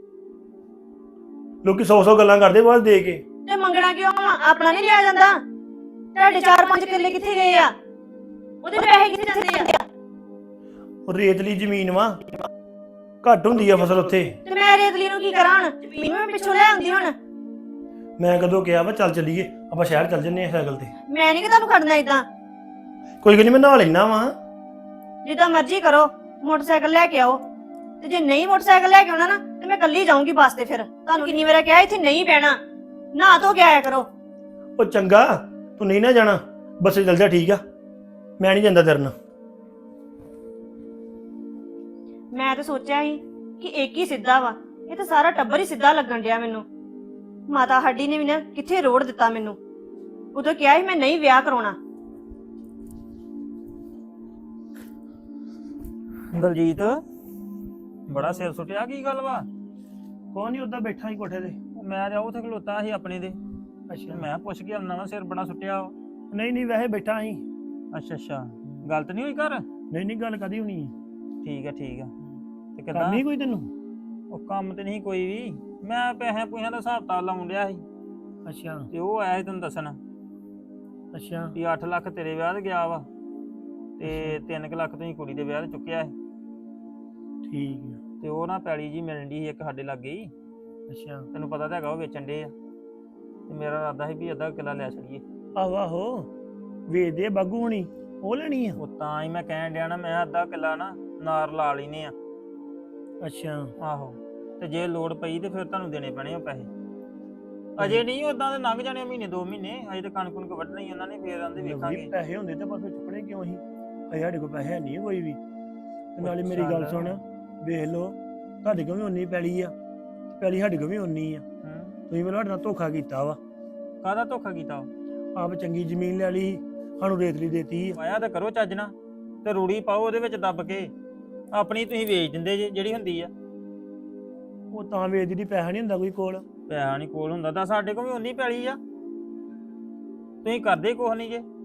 Speaker 3: ਲੋਕੀ 100 ਗੱਲਾਂ ਕਰਦੇ ਬਾਅਦ ਦੇ ਕੇ।
Speaker 2: ਤੇ ਮੰਗਣਾ ਕਿਉਂ ਆ? ਆਪਣਾ ਨਹੀਂ ਲਿਆ ਜਾਂਦਾ। ਤੁਹਾਡੇ 4-5 ਕਿੱਲੇ ਕਿੱਥੇ ਗਏ ਆ? ਉਹਦੇ ਪੈਸੇ ਕਿੱਥੇ ਜਾਂਦੇ ਆ?
Speaker 3: ਉਹ ਰੇਤਲੀ ਜ਼ਮੀਨ ਵਾ, ਘੱਟ ਹੁੰਦੀ ਆ ਫਸਲ ਉੱਥੇ।
Speaker 2: ਤੇ ਮੈਂ ਰੇਤਲੀ ਨੂੰ ਕੀ ਕਰਾਂ ਹੁਣ? ਜ਼ਮੀਨ ਮੈਂ ਪਿੱਛੋਂ ਲੈ ਆਉਂਦੀ ਹੁਣ।
Speaker 3: ਮੈਂ ਕਦੋਂ ਕਿਹਾ ਵਾ ਚੱਲ ਚੱਲੀਏ ਆਪਾਂ ਸ਼ਹਿਰ ਚੱਲ ਜੰਨੇ ਆ ਸਾਈਕਲ ਤੇ।
Speaker 2: ਮੈਂ ਨਹੀਂ ਕਿ ਤੁਹਾਨੂੰ ਖੜਨਾ ਇਦਾਂ।
Speaker 3: ਕੋਈ ਗੱਲ ਨਹੀਂ ਮੈਂ ਨਹਾ ਲੈਣਾ ਵਾ।
Speaker 2: ਜਿੱਦਾਂ ਮਰਜ਼ੀ ਕਰੋ, ਮੋਟਰਸਾਈਕਲ ਲੈ ਕੇ ਆਓ। ਤੇ ਜੇ ਨਹੀਂ ਮੋਟਰਸਾਈਕਲ ਲੈ ਕੇ ਆਉਣਾ ਨਾ ਤੇ ਮੈਂ ਕੱਲੀ ਜਾਊਂਗੀ ਬੱਸ ਤੇ। ਫਿਰ ਤੁਹਾਨੂੰ ਕਿੰਨੀ ਵਾਰ ਕਿਹਾ ਇੱਥੇ ਨਹੀਂ ਬਹਿਣਾ, ਨਹਾ ਧੋ ਕੇ ਆਇਆ ਕਰੋ।
Speaker 3: ਉਹ ਚੰਗਾ ਤੂੰ ਨਹੀਂ ਨਾ ਜਾਣਾ, ਬੱਸੇ ਚੱਲ ਜਾ, ਠੀਕ ਆ। ਮੈਂ ਨਹੀਂ ਜਾਂਦਾ ਤੇਰੇ ਨਾਲ।
Speaker 2: ਮੈਂ ਤਾਂ ਸੋਚਿਆ ਸੀ ਕਿ ਇੱਕ ਹੀ ਸਿੱਧਾ ਵਾ, ਇਹ ਤਾਂ ਸਾਰਾ ਟੱਬਰ ਹੀ ਸਿੱਧਾ ਲੱਗਣ ਡਿਆ ਮੈਨੂੰ। ਮਾਤਾ ਹੱਡੀ ਨੇ ਵੀ ਨਾ ਕਿੱਥੇ ਰੋੜ ਦਿੱਤਾ ਮੈਨੂੰ। ਉਦੋਂ ਕਿਹਾ ਸੀ ਮੈਂ ਨਹੀਂ ਵਿਆਹ ਕਰਾਉਣਾ।
Speaker 6: ਦਲਜੀਤ ਬੜਾ ਸਿਰ ਸੁੱਟਿਆ, ਕੀ ਗੱਲ ਵਾ?
Speaker 3: ਕੋਈ ਨਹੀਂ, ਉੱਦਾਂ ਬੈਠਾ ਹੀ ਕੋਠੇ ਤੇ।
Speaker 6: ਮੈਂ ਜਾ ਉੱਥੇ ਖਲੋਤਾ ਸੀ ਆਪਣੇ ਦੇ।
Speaker 3: ਅੱਛਾ।
Speaker 6: ਮੈਂ ਪੁੱਛ ਕੇ ਆਉਣਾ ਵਾ, ਸਿਰ ਬੜਾ ਸੁੱਟਿਆ ਵਾ।
Speaker 3: ਨਹੀਂ ਨਹੀਂ ਵੈਸੇ ਬੈਠਾ ਸੀ।
Speaker 6: ਅੱਛਾ ਅੱਛਾ, ਗਲਤ ਨਹੀਂ ਹੋਈ ਘਰ?
Speaker 3: ਨਹੀਂ ਨਹੀਂ ਗੱਲ ਕਦੀ ਹੋਣੀ ਹੈ।
Speaker 6: ਠੀਕ ਆ ਠੀਕ ਆ। ਤੇ ਕਿੱਦਾਂ?
Speaker 3: ਕਰਨੀ ਕੋਈ ਤੈਨੂੰ?
Speaker 6: ਉਹ ਕੰਮ ਤੇ ਨਹੀਂ ਕੋਈ ਵੀ, ਮੈਂ ਪੈਸਿਆਂ ਪੂਸਿਆਂ ਦਾ ਹਿਸਾਬ ਤਾਲ ਲਾਉਣ ਡਿਆ ਸੀ
Speaker 3: ਅੱਛਾ
Speaker 6: ਤੇ ਉਹ ਆਇਆ ਸੀ ਤੈਨੂੰ ਦੱਸਣ
Speaker 3: ਅੱਛਾ
Speaker 6: ਵੀ 8 ਲੱਖ ਤੇਰੇ ਵਿਆਹ ਤੇ ਗਿਆ ਵਾ ਤੇ 3 ਲੱਖ ਤੁਸੀਂ ਕੁੜੀ ਦੇ ਵਿਆਹ ਤੇ ਚੁੱਕਿਆ ਸੀ।
Speaker 3: ਠੀਕ ਆ।
Speaker 6: ਤੇ ਉਹ ਨਾ ਪੈਲੀ ਜੀ ਮਿਲਣ ਦੀ ਸੀ ਇੱਕ ਸਾਡੇ ਲਾਗੇ ਹੀ।
Speaker 3: ਅੱਛਾ
Speaker 6: ਤੈਨੂੰ ਪਤਾ ਤਾਂ ਹੈਗਾ ਉਹ ਵੇਚਣ ਦੇ ਆ। ਤੇ ਮੇਰਾ ਇਰਾਦਾ ਸੀ ਵੀ ਅੱਧਾ ਕਿੱਲਾ ਲੈ ਛੜੀਏ।
Speaker 3: ਆਹੋ ਆਹੋ ਵੇਚਦੇ ਆ ਬਾਗੂ ਹੋਣੀ, ਉਹ ਲੈਣੀ ਆ।
Speaker 6: ਉਹ ਤਾਂ ਹੀ ਮੈਂ ਕਹਿਣ ਡਿਆ ਨਾ, ਮੈਂ ਅੱਧਾ ਕਿੱਲਾ ਨਾ ਨਾਰ ਲਾ ਲੈਨੇ ਆ।
Speaker 3: ਅੱਛਾ
Speaker 6: ਆਹੋ, ਤੇ ਜੇ ਲੋੜ ਪਈ ਤੇ ਫਿਰ ਤੁਹਾਨੂੰ ਦੇਣੇ ਪੈਣੇ ਉਹ ਪੈਸੇ। ਅਜੇ ਨਹੀਂ, ਉਦਾਂ ਦੇ ਲੰਘ ਜਾਣੇ ਮਹੀਨੇ 2 ਮਹੀਨੇ। ਅਜੇ ਤਾਂ ਕਣਕ ਕੁਣਕ ਵੱਢਣੀ ਉਹਨਾਂ ਨੇ, ਫਿਰ ਆਂਦੇ ਵੇਖਾਂਗੇ।
Speaker 3: ਪੈਸੇ ਹੁੰਦੇ ਤਾਂ ਫਿਰ ਚੁੱਕਣੇ ਕਿਉਂ ਸੀ? ਅਜੇ ਸਾਡੇ ਕੋਲ ਪੈਸੇ ਨਹੀਂ ਕੋਈ ਵੀ। ਤੇ ਨਾਲੇ ਮੇਰੀ ਗੱਲ ਸੁਣ, ਵੇਖ ਲਓ ਤੁਹਾਡੇ ਕੋਲ ਵੀ ਉਨੀ ਪੈਲੀ ਆ, ਪੈਲੀ ਸਾਡੇ ਕੋਲ ਵੀ ਉਨੀ ਆ। ਤੁਸੀਂ ਮੈਨੂੰ ਸਾਡੇ ਨਾਲ ਧੋਖਾ ਕੀਤਾ ਵਾ।
Speaker 6: ਕਾਹਦਾ ਧੋਖਾ ਕੀਤਾ?
Speaker 3: ਆਪ ਚੰਗੀ ਜ਼ਮੀਨ ਲੈ ਲਈ, ਸਾਨੂੰ ਰੇਤਲੀ ਦੇਤੀ ਆ।
Speaker 6: ਆਇਆ ਤਾਂ ਕਰੋ ਚੱਜ ਨਾ, ਤੇ ਰੂੜੀ ਪਾਓ ਉਹਦੇ ਵਿੱਚ ਦੱਬ ਕੇ। ਆਪਣੀ ਤੁਸੀਂ ਵੇਚ ਦਿੰਦੇ ਜੇ ਜਿਹੜੀ ਹੁੰਦੀ ਆ।
Speaker 3: ਉਹ ਤਾਂ ਵੇਚਦੀ ਦੀ ਪੈਸਾ ਨਹੀਂ ਹੁੰਦਾ ਕੋਈ ਕੋਲ।
Speaker 6: ਪੈਸਾ ਨਹੀਂ ਕੋਲ ਹੁੰਦਾ ਤਾਂ ਸਾਡੇ ਕੋਲ ਵੀ ਉਨੀ ਪੈਲੀ ਆ, ਤੁਸੀਂ ਕਰਦੇ ਕੁਛ ਨਹੀਂ ਜੇ।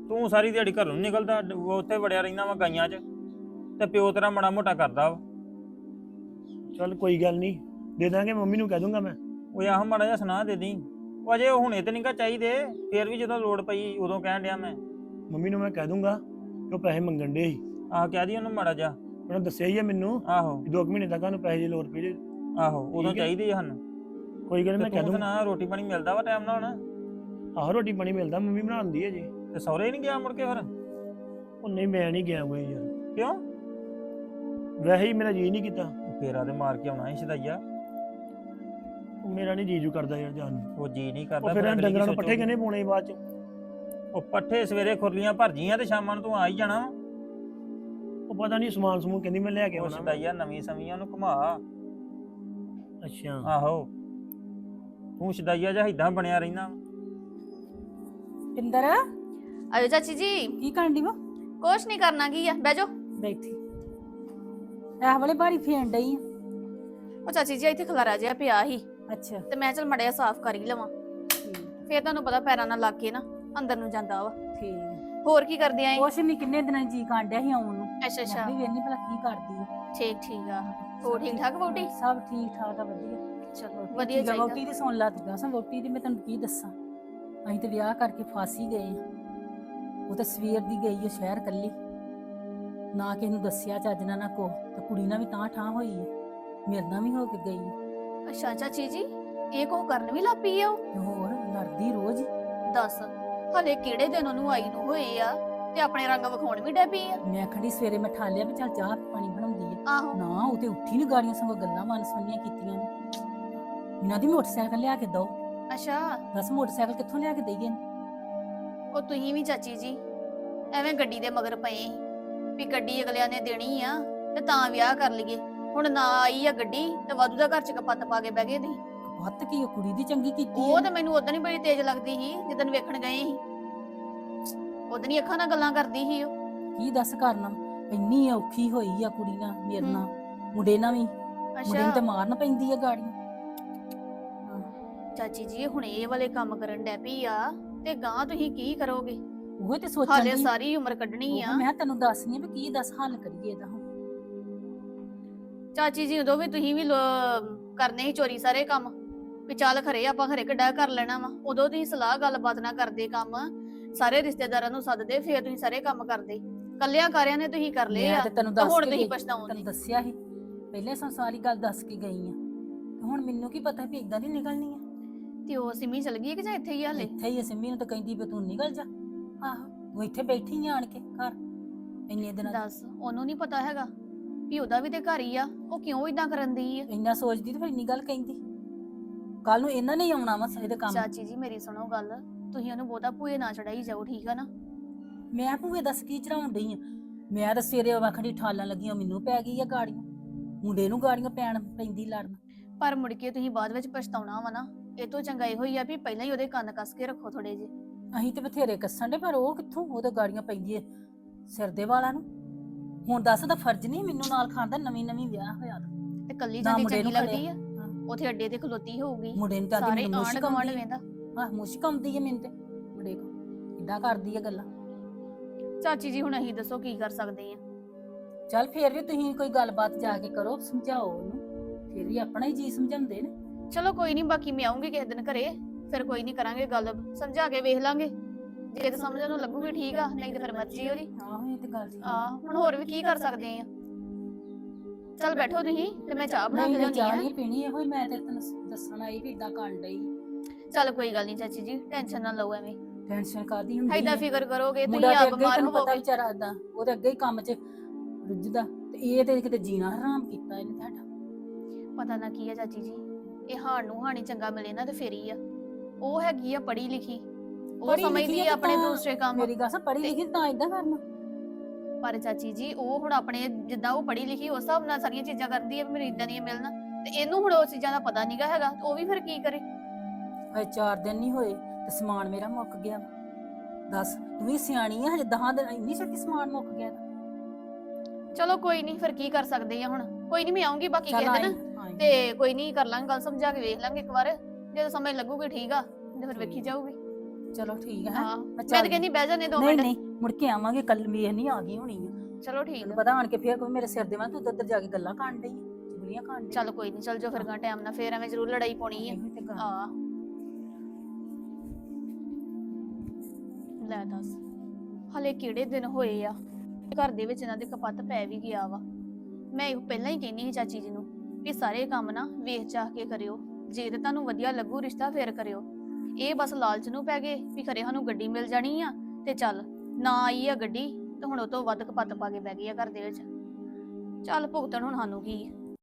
Speaker 6: ਤੂੰ ਸਾਰੀ ਦਿਹਾੜੀ ਘਰੋਂ ਨੀ ਨਿਕਲਦਾ, ਉਹ ਉੱਥੇ ਵੜਿਆ ਰਹਿੰਦਾ ਵਾ ਗਾਈਆਂ 'ਚ, ਤੇ ਪਿਓ ਤੇਰਾ ਮਾੜਾ ਮੋਟਾ ਕਰਦਾ ਵਾ।
Speaker 3: ਚੱਲ ਕੋਈ ਗੱਲ ਨਹੀਂ, ਦੇ ਦਾਂਗੇ, ਮੰਮੀ ਨੂੰ ਕਹਿ ਦੂੰਗਾ ਮੈਂ।
Speaker 6: ਉਹ ਆਹ ਮਾੜਾ ਜਿਹਾ ਸੁਣਾ ਦੇ ਦੀ। ਉਹ ਅਜੇ ਹੁਣੇ ਤੇ ਨਹੀਂਗਾ ਚਾਹੀਦੇ, ਫੇਰ ਵੀ ਜਦੋਂ ਲੋੜ ਪਈ ਉਦੋਂ ਕਹਿਣ ਡਿਆ ਮੈਂ।
Speaker 3: ਮੰਮੀ ਨੂੰ ਮੈਂ ਕਹਿ ਦੂੰਗਾ ਕਿ ਉਹ ਪੈਸੇ ਮੰਗਣ ਡੇ ਸੀ।
Speaker 6: ਆਹ ਕਹਿ ਦੀ ਉਹਨੂੰ ਮਾੜਾ ਜਿਹਾ।
Speaker 3: ਉਹਨੇ ਦੱਸਿਆ ਹੀ ਆ ਮੈਨੂੰ
Speaker 6: ਆਹੋ
Speaker 3: 2 ਮਹੀਨੇ ਤੱਕ ਸਾਨੂੰ ਪੈਸੇ ਦੀ ਲੋੜ ਪਈ ਜੇ।
Speaker 6: ਆਹੋ ਉਦੋਂ
Speaker 3: ਠੀਕ ਹੈ।
Speaker 6: ਚਾਹੀਦੇ ਆ ਸਾਨੂੰ।
Speaker 3: ਕੋਈ ਗੱਲ ਨੀ,
Speaker 6: ਤੇ
Speaker 3: ਮੈਂ ਕਹਿ
Speaker 6: ਤੂੰ
Speaker 3: ਦੂੰਗਾ।
Speaker 6: ਸੁਣਾ, ਰੋਟੀ ਪਾਣੀ ਮਿਲਦਾ ਵਾ ਟਾਈਮ ਨਾਲ ਹੁਣ?
Speaker 3: ਆਹੋ ਰੋਟੀ ਪਾਣੀ ਮਿਲਦਾ, ਮੰਮੀ ਬਣਾਉਂਦੀ ਹੈ ਜੀ।
Speaker 6: ਤੇ ਸਹੁਰੇ ਨਹੀਂ ਗਿਆ ਮੁੜ ਕੇ ਫਿਰ?
Speaker 3: ਉਹ ਨਹੀਂ, ਮੈਂ ਨਹੀਂ ਗਿਆ ਕੋਈ ਯਾਰ,
Speaker 6: ਕਿਉਂ?
Speaker 3: ਵੈਸੇ ਹੀ ਮੇਰਾ ਜੀ ਨਹੀਂ ਕੀਤਾ।
Speaker 6: ਫੇਰਾ ਤੇ ਮਾਰ ਕੇ ਆਉਣਾ ਸੀ ਸ਼ਦਾਈਆ।
Speaker 3: ਉਹ ਮੇਰਾ ਨਹੀਂ ਜੀਜੂ ਕਰਦਾ ਯਾਰ ਜਾਣ ਨੂੰ।
Speaker 6: ਉਹ ਜੀ ਨਹੀਂ
Speaker 3: ਉਹ
Speaker 6: ਕਰਦਾ।
Speaker 3: ਫਿਰ
Speaker 6: ਅਗਲੀ ਕੀ
Speaker 3: ਡੰਗਰਾਂ ਨੂੰ ਪੱਠੇ
Speaker 6: ਸੋਚੂਗੀ?
Speaker 3: ਕਿਹਨੇ ਪਾਉਣੇ ਸੀ ਬਾਅਦ ਚ?
Speaker 6: ਉਹ ਪੱਠੇ ਸਵੇਰੇ ਖੁਰਲੀਆਂ ਭਰ ਜੀਆਂ ਤੇ ਸ਼ਾਮਾਂ ਨੂੰ ਤੂੰ ਆ ਹੀ ਜਾਣਾ।
Speaker 3: ਉਹ ਪਤਾ ਨਹੀਂ ਸਮਾਨ ਸਮੂਨ ਕਹਿੰਦੀ ਮੈਂ ਲੈ ਕੇ
Speaker 6: ਉਹ
Speaker 3: ਆਉਣਾ।
Speaker 6: ਸ਼ਦਾਈਆ ਨਵੀਂ ਸਮੀਆਂ ਨੂੰ ਘੁਮਾ।
Speaker 3: ਅੱਛਾ
Speaker 6: ਆਹੋ ਤੂੰ ਸ਼ਦਾਈਆ ਜਿਹਾ ਏਦਾਂ ਬਣਿਆ ਰਹਿਣਾ।
Speaker 1: ਪਿੰਦਰ
Speaker 7: ਆਇਓ ਚਾਚੀ ਜੀ।
Speaker 1: ਕੀ ਕਰਨ ਦੀ ਵਾ?
Speaker 7: ਕੁਛ ਨਹੀਂ ਕਰਨਾ, ਕੀ ਆ, ਬਹਿ ਜਾਓ।
Speaker 1: ਬੈਠੀ ਇਹ ਵਾਲੇ ਬਾਰੀ ਫੇਣ ਡਈ ਆ।
Speaker 7: ਉਹ ਚਾਚੀ ਜੀ ਇੱਥੇ ਖਲਾਰਾ ਜਿਹਾ ਪਿਆ ਸੀ
Speaker 1: ਅੱਛਾ
Speaker 7: ਤੇ ਮੈਂ ਚਲ ਮੜਿਆ ਸਾਫ਼ ਕਰ ਹੀ ਲਵਾਂ। ਫੇਰ ਤੁਹਾਨੂੰ ਪਤਾ ਪੈਰਾਂ ਨਾਲ ਲੱਗ ਕੇ ਨਾ ਅੰਦਰ ਨੂੰ ਜਾਂਦਾ ਵਾ।
Speaker 1: ਠੀਕ।
Speaker 7: ਹੋਰ ਕੀ ਕਰਦੇ ਆਂ?
Speaker 1: ਕੁਛ ਨਹੀਂ, ਕਿੰਨੇ ਦਿਨਾਂ ਜੀ ਕਾਂਡਿਆ ਸੀ ਆਉਣ ਨੂੰ।
Speaker 7: ਅੱਛਾ ਅੱਛਾ,
Speaker 1: ਮੈਂ ਵੀ ਵੇਖਣੀ ਭਲਾ ਕੀ ਕਰਦੀ ਆ।
Speaker 7: ਠੀਕ ਠੀਕ ਆ। ਹੋਰ ਠੀਕ ਠਾਕ ਵੋਟੀ?
Speaker 1: ਸਭ ਠੀਕ ਠਾਕ ਆ, ਵਧੀਆ।
Speaker 7: ਚਲੋ ਵਧੀਆ ਚਾਹੀਦਾ।
Speaker 1: ਵੋਟੀ ਦੀ ਸੁਣ ਲਾ ਤੂੰ। ਦੱਸਾਂ ਵੋਟੀ ਦੀ ਮੈਂ ਤੈਨੂੰ ਕੀ ਦੱਸਾਂ। ਅਸੀਂ ਤੇ ਵਿਆਹ ਕਰਕੇ ਫਸ ਹੀ ਗਏ ਆ। ਉਹ ਤਾਂ ਸਵੇਰ ਦੀ ਗਈ ਆ ਸ਼ਹਿਰ ਕੱਲੀ, ਨਾ ਕਿਸੇ ਨੂੰ ਦੱਸਿਆ ਚੱਜ ਨਾਲ ਨਾ ਕੋ। ਤੇ ਕੁੜੀ ਨਾਲ ਵੀ ਤਾਂ ਠਾਂ ਹੋਈ ਹੈ, ਮੇਰੇ ਨਾਲ ਵੀ ਹੋ ਕੇ ਗਈ ਆ।
Speaker 7: ਅੱਛਾ ਚਾਚੀ ਜੀ, ਇਹ ਕੋ ਕਰਨ ਵੀ ਲੱਗ ਪਈ ਆ ਉਹ?
Speaker 1: ਤੇ ਹੋਰ ਲੜਦੀ ਰੋਜ਼ ਹੀ।
Speaker 7: ਦੱਸ, ਹਲੇ ਕਿਹੜੇ ਦਿਨ ਉਹਨੂੰ ਆਈ ਨੂੰ ਹੋਏ ਆ ਤੇ ਆਪਣੇ ਰੰਗ ਵਿਖਾਉਣ ਵੀ ਡੈ ਪਈ ਆ?
Speaker 1: ਮੈਂ ਖੜੀ ਸਵੇਰੇ ਮੈਂ ਠਾਲਿਆ ਵੀ ਚੱਲ ਚਾਹ ਪਾਣੀ ਬਣਾਉਂਦੀ ਹੈ।
Speaker 7: ਆਹੋ,
Speaker 1: ਨਾ ਉਹ ਤੇ ਉੱਠੀ ਨੀ, ਗਾੜੀਆਂ ਸੰਗ ਗੱਲਾਂ ਮਨ ਸੁਣੀਆਂ ਕੀਤੀਆਂ ਨੇ। ਇਹਨਾਂ ਦੀ ਮੋਟਰਸਾਈਕਲ ਲਿਆ ਕੇ ਦੋ।
Speaker 7: ਅੱਛਾ।
Speaker 1: ਦੱਸ ਮੋਟਰਸਾਈਕਲ ਕਿੱਥੋਂ ਲਿਆ ਕੇ ਦਈਏ?
Speaker 7: ਉਹ ਤੁਸੀਂ ਵੀ ਚਾਚੀ ਜੀ ਐਵੇਂ ਗੱਡੀ ਦੇ ਮਗਰ ਪਏ ਸੀ ਵੀ ਗੱਡੀ ਅਗਲਿਆਂ ਨੇ ਦੇਣੀ ਆ ਤੇ ਤਾਂ ਵਿਆਹ ਕਰ ਲਈਏ। ਹੁਣ ਨਾ ਆਈ ਆ ਗੱਡੀ ਤੇ ਵਾਧੂ ਦਾ ਘਰ ਚ ਕਪੱਤ ਪਾ ਕੇ ਬਹਿ ਗਏ ਤੁਸੀਂ।
Speaker 1: ਹੱਤ ਕੀ ਉਹ ਕੁੜੀ ਦੀ ਚੰਗੀ ਕੀਤੀ
Speaker 7: ਉਹ
Speaker 1: ਹੈ।
Speaker 7: ਤੇ ਮੈਨੂੰ ਉਦੋਂ ਹੀ ਬੜੀ ਤੇਜ਼ ਲੱਗਦੀ ਸੀ ਜਦੋਂ ਵੇਖਣ ਗਏ ਸੀ। ਉਦੋਂ ਹੀ ਅੱਖਾਂ ਨਾਲ ਗੱਲਾਂ ਕਰਦੀ ਸੀ ਉਹ।
Speaker 1: ਕੀ ਦੱਸ ਕਰਨਾ, ਇੰਨੀ ਔਖੀ ਹੋਈ ਆ ਕੁੜੀ ਨਾਲ, ਮੇਰੇ ਨਾਲ, ਮੁੰਡੇ ਨਾਲ ਵੀ। ਮੁੰਡੇ ਨੂੰ ਤੇ ਮਾਰਨ ਪੈਂਦੀ ਆ ਗਾੜੀ।
Speaker 7: ਚਾਚੀ ਜੀ ਹੁਣ ਇਹ ਵਾਲੇ ਕੰਮ ਕਰਨ ਡੈ ਪਈ ਆ ਤੇ ਗਾਂ ਤੁਸੀਂ ਕੀ ਕਰੋਗੇ?
Speaker 1: ਉਹ ਤੇ ਸੋਚਣ
Speaker 7: ਹਾਲੇ
Speaker 1: ਦੀ
Speaker 7: ਸਾਰੀ ਉਮਰ ਕੱਢਣੀ ਆ।
Speaker 1: ਮੈਂ ਤੈਨੂੰ ਦੱਸਨੀ ਆ ਵੀ ਕੀ ਦੱਸ ਹੱਲ ਕਰੀਏ ਇਹਦਾ ਹੁਣ।
Speaker 7: ਚਾਚੀ ਜੀ ਉਦੋਂ ਵੀ ਤੁਸੀਂ ਵੀ ਕਰਨੇ ਸੀ ਚੋਰੀ ਸਾਰੇ ਕੰਮ ਵੀ ਚੱਲ ਖਰੇ ਆਪਾਂ ਖਰੇ ਕਿੱਡਾ ਕਰ ਲੈਣਾ ਵਾ। ਉਦੋਂ ਤੁਸੀਂ ਸਲਾਹ ਗੱਲਬਾਤ ਨਾ ਕਰਦੇ, ਕੰਮ ਸਾਰੇ ਰਿਸ਼ਤੇਦਾਰਾਂ ਨੂੰ ਸੱਦਦੇ, ਫੇਰ ਤੁਸੀਂ ਸਾਰੇ ਕੰਮ ਕਰਦੇ। ਕੱਲਿਆਂ ਕਾਰਿਆਂ ਨੇ ਤੁਸੀਂ ਕਰ ਲਏ
Speaker 1: ਮੈਂ
Speaker 7: ਆ
Speaker 1: ਤੇ ਤੈਨੂੰ
Speaker 7: ਤੇ
Speaker 1: ਦੱਸ
Speaker 7: ਹੁਣ
Speaker 1: ਕੇ
Speaker 7: ਤੁਸੀਂ
Speaker 1: ਗਈ,
Speaker 7: ਪਛਤਾਉਂਦੇ।
Speaker 1: ਤੈਨੂੰ ਦੱਸਿਆ ਸੀ ਪਹਿਲੇ ਸਾਰੀ ਗੱਲ ਦੱਸ ਕੇ ਗਈ ਆ। ਤੇ ਹੁਣ ਮੈਨੂੰ ਕੀ ਪਤਾ ਵੀ ਇਦਾਂ ਦੀ ਨਿਕਲਣੀ ਆ।
Speaker 7: ਤੇ ਉਹ ਸਿਮੀ ਚਲ ਗਈ ਹੈ ਕਿ ਜਾਂ ਇੱਥੇ ਹੀ ਆ ਹਲੇ?
Speaker 1: ਇੱਥੇ ਹੀ ਆ, ਸਿੰਮੀ ਨੂੰ ਤਾਂ ਕਹਿੰਦੀ ਵੀ ਤੂੰ ਨਿਕਲ ਜਾ। ਆਹੋ ਉਹ ਇੱਥੇ ਬੈਠੀ ਆ ਆਣ ਕੇ ਘਰ ਇੰਨੇ ਦਿਨਾਂ ਦੀ।
Speaker 7: ਦੱਸ, ਉਹਨੂੰ ਨਹੀਂ ਪਤਾ ਹੈਗਾ ਵੀ ਉਹਦਾ ਵੀ ਤੇ ਘਰ ਹੀ ਆ, ਉਹ ਕਿਉਂ ਇਦਾਂ ਕਰਨ ਦੀ ਆ?
Speaker 1: ਇੰਨਾ ਸੋਚਦੀ ਤੇ ਫਿਰ ਇੰਨੀ ਗੱਲ ਕਹਿੰਦੀ। ਕੱਲ ਨੂੰ ਇਹਨਾਂ ਨੇ ਹੀ ਆਉਣਾ ਵਾ ਇਹਦੇ ਕੰਮ।
Speaker 7: ਚਾਚੀ ਜੀ ਮੇਰੀ ਸੁਣੋ ਗੱਲ, ਤੁਸੀਂ ਉਹਨੂੰ ਬਹੁਤਾ ਭੂਏ ਨਾ ਚੜਾਈ ਜਾਓ, ਠੀਕ ਆ ਨਾ?
Speaker 1: ਮੈਂ ਭੂਏ ਦੱਸ ਕੀ ਚੜਾਉਣ ਡਈ ਆ? ਮੈਂ ਤਾਂ ਸਵੇਰੇ ਵਖੜੀ ਠਾਲਣ ਲੱਗੀਆਂ, ਮੈਨੂੰ ਪੈ ਗਈ ਆ ਗਾੜੀਆਂ, ਮੁੰਡੇ ਨੂੰ ਗਾੜੀਆਂ ਪੈਂਦੀ ਲੜਨ।
Speaker 7: ਪਰ ਮੁੜ ਕੇ ਤੁਸੀਂ ਬਾਅਦ ਵਿੱਚ ਪਛਤਾਉਣਾ ਵਾ ਨਾ। ਇਹ ਤੋਂ ਚੰਗਾ ਇਹੋ ਹੀ ਆ ਵੀ ਪਹਿਲਾਂ ਹੀ ਉਹਦੇ ਕੰਨ ਕੱਸ ਕੇ ਰੱਖੋ ਥੋੜੇ ਜਿਹੇ।
Speaker 1: ਅਸੀਂ ਤੇ ਬਥੇਰੇ ਕੱਸਣ ਦੇ, ਪਰ ਉਹ ਕਿੱਥੋਂ, ਉਹਦੇ ਗਾੜੀਆਂ ਪੈਂਦੀ ਸਿਰ ਦੇ ਵਾਲਾਂ ਨੂੰ। ਹੁਣ ਦੱਸ ਦਾ ਫਰਜ਼ ਨਹੀਂ ਮੈਨੂੰ ਨਾਲ ਖਾਣ ਦਾ, ਨਵੀਂ ਵਿਆਹ ਹੋਇਆ ਤਾਂ।
Speaker 7: ਤੇ ਕੱਲੀ
Speaker 1: ਨਾ
Speaker 7: ਜਾਂਦੀ
Speaker 1: ਮੁੰਡੇ
Speaker 7: ਚੰਗੀ
Speaker 1: ਨੂੰ
Speaker 7: ਲੱਗਦੀ ਆ?
Speaker 1: ਹਾਂ।
Speaker 7: ਉਥੇ ਅੱਡੇ ਤੇ ਖਲੋਤੀ ਹੋਊਗੀ,
Speaker 1: ਮੁੰਡੇ ਨੂੰ ਤਾਂ ਆਂਦੀ
Speaker 7: ਸਾਰੇ
Speaker 1: ਮੈਨੂੰ
Speaker 7: ਆਂਢ
Speaker 1: ਮੁਸ਼ਕ
Speaker 7: ਗੁਆਂਢ
Speaker 1: ਆਉਂਦੀ
Speaker 7: ਵੇਂਦਾ।
Speaker 1: ਹਾਂ, ਮੁਸ਼ਕ ਆਉਂਦੀ ਹੈ ਮੈਨੂੰ ਤੇ ਮੁੰਡੇ ਕੋ। ਇਦਾਂ ਕਰਦੀ ਆ ਗੱਲਾਂ।
Speaker 7: ਚਾਚੀ ਜੀ ਹੁਣ ਅਸੀਂ ਦੱਸੋ ਕੀ ਕਰ ਸਕਦੇ ਆ?
Speaker 1: ਚੱਲ ਫੇਰ ਵੀ ਤੁਸੀਂ ਕੋਈ ਗੱਲਬਾਤ ਜਾ ਕੇ ਕਰੋ, ਸਮਝਾਓ ਉਹਨੂੰ। ਫੇਰ ਵੀ ਆਪਣਾ ਹੀ ਜੀ ਸਮਝਾਉਂਦੇ ਨੇ।
Speaker 7: ਚਲੋ ਕੋਈ ਨਹੀਂ, ਬਾਕੀ ਮੈਂ ਆਉਂਗੀ ਕਿਸੇ ਦਿਨ ਘਰੇ, ਫਿਰ ਕੋਈ ਨਹੀਂ ਕਰਾਂਗੇ ਗੱਲ, ਸਮਝਾ ਕੇ ਵੇਖ ਲਾਂਗੇ। ਜੇ ਤੇ ਸਮਝ ਨੂੰ ਲੱਗੂਗੀ ਠੀਕ ਆ, ਨਹੀਂ ਤੇ ਫਿਰ ਮਰਜ਼ੀ ਉਹਦੀ।
Speaker 1: ਆਹੋ ਇਹ ਤੇ ਗੱਲ ਠੀਕ
Speaker 7: ਆ ਹੁਣ ਹੋਰ ਵੀ ਕੀ ਕਰ ਸਕਦੇ ਆ? ਚੱਲ ਬੈਠੋ ਤੁਸੀਂ ਤੇ ਮੈਂ ਚਾਹ ਬਣਾ ਕੇ
Speaker 1: ਨਹੀਂ
Speaker 7: ਲਿਆਉਣੀ
Speaker 1: ਚਾਹ
Speaker 7: ਆ।
Speaker 1: ਨਹੀਂ ਪੀਣੀ, ਇਹੋ ਹੀ ਮੈਂ ਤੇ ਤੈਨੂੰ ਦੱਸਣ ਆਈ ਵੀ ਇਦਾਂ ਕਰਨ ਡਈ।
Speaker 7: ਚੱਲ ਕੋਈ ਗੱਲ ਨਹੀਂ ਚਾਚੀ ਜੀ, ਟੈਨਸ਼ਨ ਨਾ ਲਓ ਐਵੇਂ।
Speaker 1: ਟੈਨਸ਼ਨ ਕਾਦੀ ਹੁੰਦੀ
Speaker 7: ਐਦਾਂ
Speaker 1: ਹੈ?
Speaker 7: ਫਿਕਰ ਕਰੋਗੇ
Speaker 1: ਮੁੰਡਾ
Speaker 7: ਤੁਸੀਂ
Speaker 1: ਤੇ
Speaker 7: ਆਪ
Speaker 1: ਅੱਗੇ
Speaker 7: ਬਿਮਾਰ
Speaker 1: ਤੈਨੂੰ ਪਤਾ
Speaker 7: ਹੋਵੋਗੇ।
Speaker 1: ਵਿਚਾਰਾ ਏਦਾਂ, ਉਹਦੇ ਅੱਗੇ ਹੀ ਕੰਮ 'ਚ ਰੁੱਝਦਾ, ਤੇ ਇਹ ਤੇ ਕਿਤੇ ਜੀਣਾ ਹਰਾਮ ਕੀਤਾ ਇਹਨੇ ਤੁਹਾਡਾ।
Speaker 7: ਪਤਾ ਨਾ ਕੀ ਆ ਚਾਚੀ ਜੀ, ਇਹ ਹਾਣ ਨੂੰ ਹਾਣੀ ਚੰਗਾ ਮਿਲੇ ਨਾ ਤੇ ਫੇਰ ਹੀ ਆ। ਉਹ ਹੈਗੀ ਆ ਪੜ੍ਹੀ ਲਿਖੀ, ਉਹ
Speaker 1: ਪੜ੍ਹੀ
Speaker 7: ਸਮਝਦੀ
Speaker 1: ਲਿਖੀ
Speaker 7: ਆ
Speaker 1: ਆ
Speaker 7: ਆਪਣੇ
Speaker 1: ਤਾਂ
Speaker 7: ਦੂਸਰੇ ਕੰਮ।
Speaker 1: ਮੇਰੀ ਗੱਲ ਸੁਣ, ਪੜ੍ਹੀ ਲਿਖੀ ਤਾਂ ਇਦਾਂ ਕਰਨਾ।
Speaker 7: ਪਰ ਚਾਚੀ ਜੀ ਉਹ ਹੁਣ ਆਪਣੇ ਜਿੱਦਾਂ ਉਹ ਪੜ੍ਹੀ ਲਿਖੀ ਉਸ ਹਿਸਾਬ ਨਾਲ ਸਾਰੀਆਂ ਚੀਜ਼ਾਂ ਕਰਦੀ ਆ ਵੀ ਮੈਨੂੰ ਇਦਾਂ ਦੀਆਂ ਮਿਲਣ, ਤੇ ਇਹਨੂੰ ਹੁਣ ਉਸ ਚੀਜ਼ਾਂ ਦਾ ਪਤਾ ਨਹੀਂਗਾ ਹੈਗਾ, ਤੇ ਉਹ ਵੀ ਫਿਰ ਕੀ ਕਰੇ?
Speaker 1: ਹਜੇ 4 ਦਿਨ ਨਹੀਂ ਹੋਏ ਤੇ ਸਮਾਨ ਮੇਰਾ ਮੁੱਕ ਗਿਆ। ਦੱਸ ਤੂੰ ਵੀ ਸਿਆਣੀ ਆ, ਹਜੇ 10 ਦਿਨ ਇੰਨੀ ਛੇਤੀ ਸਮਾਨ ਮੁੱਕ ਗਿਆ।
Speaker 7: ਚਲੋ ਕੋਈ ਨਹੀਂ, ਫਿਰ ਕੀ ਕਰ ਸਕਦੇ ਆ ਹੁਣ? ਕੋਈ ਨਹੀਂ, ਮੈਂ ਆਉਂਗੀ ਬਾਕੀ
Speaker 1: ਚੱਲ
Speaker 7: ਕਿਸੇ
Speaker 1: ਆਈ
Speaker 7: ਦਿਨ, ਤੇ ਕੋਈ ਨਹੀਂ ਕਰ ਲਾਂਗੇ ਗੱਲ, ਸਮਝਾ ਕੇ ਵੇਖ ਲਾਂਗੇ ਇੱਕ ਵਾਰ। ਜਦੋਂ ਸਮਝ ਲੱਗੂਗੀ ਠੀਕ ਆ, ਤੇ ਫਿਰ ਵੇਖੀ ਜਾਊਗੀ।
Speaker 1: ਚਲੋ ਠੀਕ ਹੈ
Speaker 7: ਹਾਂ ਮੈਂ ਤਾਂ ਕਹਿੰਦੀ ਬਹਿ ਜਾਨੇ 2
Speaker 1: ਨਹੀਂ
Speaker 7: ਮਿੰਟ
Speaker 1: ਨਹੀਂ ਮੁੜ ਕੇ ਆਵਾਂਗੇ ਕੱਲ ਵੇਖ ਨਹੀਂ ਆ ਗਈ ਹੋਣੀ ਆ
Speaker 7: ਚਲੋ ਠੀਕ
Speaker 1: ਤੈਨੂੰ
Speaker 7: ਆ।
Speaker 1: ਪਤਾ ਆਣ ਕੇ ਫੇਰ ਕੋਈ ਮੇਰੇ ਸਿਰ ਦੇ ਵਾਂ ਤੂੰ ਉੱਧਰ ਜਾ ਕੇ ਗੱਲਾਂ ਕਰਨ ਡਈ ਚੁਗਲੀਆਂ ਕਰਨ ਡਈ
Speaker 7: ਚੱਲ ਕੋਈ ਨਹੀਂ ਚੱਲ ਜੋ ਫਿਰ ਗਾ ਟਾਈਮ ਨਾਲ ਫੇਰ ਐਵੇਂ ਜ਼ਰੂਰ ਲੜਾਈ ਪਾਉਣੀ ਆ
Speaker 1: ਇਹੋ ਤੇ ਗੱਲ।
Speaker 7: ਆ ਲੈ ਦੱਸ ਹਲੇ ਕਿਹੜੇ ਦਿਨ ਹੋਏ ਆ ਘਰ ਦੇ ਵਿੱਚ ਇਹਨਾਂ ਦੇ ਕਪੱਤ ਪੈ ਵੀ ਗਿਆ ਵਾ। ਮੈਂ ਇਹ ਪਹਿਲਾਂ ਹੀ ਕਹਿੰਦੀ ਸੀ ਚਾਚੀ ਜੀ ਨੂੰ ਵੀ ਸਾਰੇ ਕੰਮ ਨਾ ਵੇਖ ਚਾਹ ਕੇ ਕਰਿਓ, ਜੇ ਤੇ ਤੁਹਾਨੂੰ ਵਧੀਆ ਲੱਗੂ ਰਿਸ਼ਤਾ ਫੇਰ ਕਰਿਓ। ਇਹ ਬਸ ਲਾਲਚ ਨੂੰ ਪੈ ਗਏ ਵੀ ਖਰੇ ਸਾਨੂੰ ਗੱਡੀ ਮਿਲ ਜਾਣੀ ਆ ਤੇ ਚੱਲ ਨਾ ਆਈ ਆ ਗੱਡੀ ਤੇ ਹੁਣ ਉਹ ਤੋਂ ਵੱਧ ਕਪੱਤ ਪਾ ਕੇ ਬਹਿ ਗਈ ਆ ਘਰ ਦੇ ਵਿੱਚ। ਚੱਲ ਭੁਗਤਣ ਹੁਣ ਸਾਨੂੰ ਕੀ ਆ।